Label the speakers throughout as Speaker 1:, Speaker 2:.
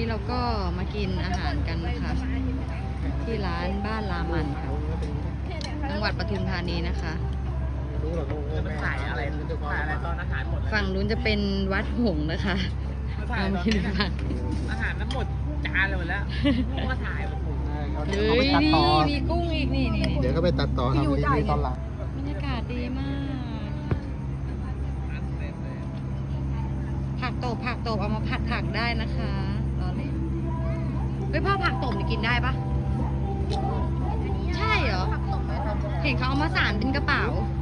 Speaker 1: เราก็มากินอาหารกันนะคะที่ร้านบ้านรามันค่ะจังหวัดปทุมธานีนะคะ
Speaker 2: ขายอะไรตอนอาหารหมด
Speaker 1: ฝั่งนู้นจะเป็นวัดหงส์นะคะเรามากินกัน
Speaker 2: อาหารนั้นหมดจานเลยหมดแล้วก็ถ่ายผม
Speaker 1: เฮ้ยนี่มีกุ้งอีกนี่
Speaker 3: เดี๋ยวก็ไปตัดต่อทำรีวิวตอนหลัง
Speaker 1: บรรยากาศดีมากผักตบเอามาผัดผักได้นะคะรอเลยเฮ้ยพ่อผักตบนี่กินได้ปะใช่เหรอเห็นเขาเอามาสานเป็นกระเป๋า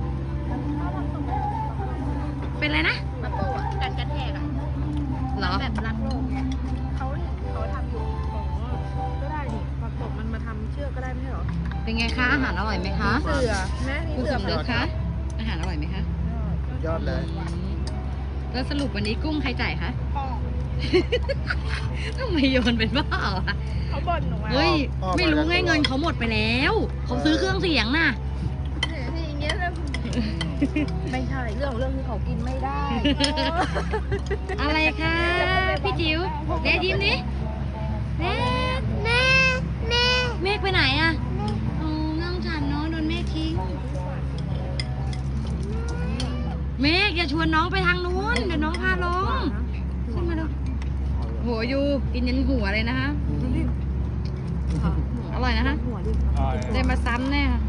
Speaker 1: เป็นอะไรนะ
Speaker 4: ประตูอ่ะกันกระแทกอ่ะ
Speaker 1: เหรอ
Speaker 4: แบบรักโลกเขาทำอยู่ก็ได้นี่ผักตบมันมาทำเชือกก็ได้ไม่ใช่เหรอ
Speaker 1: เป็นไงคะอาหารอร่อยไหมคะ
Speaker 4: เสือแม่นี่
Speaker 1: คุณ
Speaker 4: เสื
Speaker 1: ส
Speaker 4: อ
Speaker 1: มนึกคะอาหารอร่อยไหมคะ
Speaker 3: ยอดเลย
Speaker 1: แล้วสรุปวันนี้กุ้งใครจ่ายคะ
Speaker 4: พ่อ
Speaker 1: ทำไมโยนเป็นบ้าอ่ะ
Speaker 4: เขาบ่นหนูมา
Speaker 1: เฮ้ยไม่รู้ไงเงินเขาหมดไปแล้วเขาซื้อเครื่องเสียงน่ะ
Speaker 4: ที่อย่างเงี้ยแล้วไม่ใช่เรื่องที่เขากินไม่ได้
Speaker 1: อะไรคะพี่จิ๋วเดยิ้มดิเมฆไปไหนอะโอ้น้องฉันน้องโดนเมฆทิ้งเมฆอย่าชวนน้องไปทางนู้นเดี๋ยวน้องพาลงขึ้นมาดูหัวอยู่กินยันหัวเลยนะคะอร่อยนะคะ
Speaker 4: หัวดิ
Speaker 1: ได้มาซ้ำแน่ค่ะ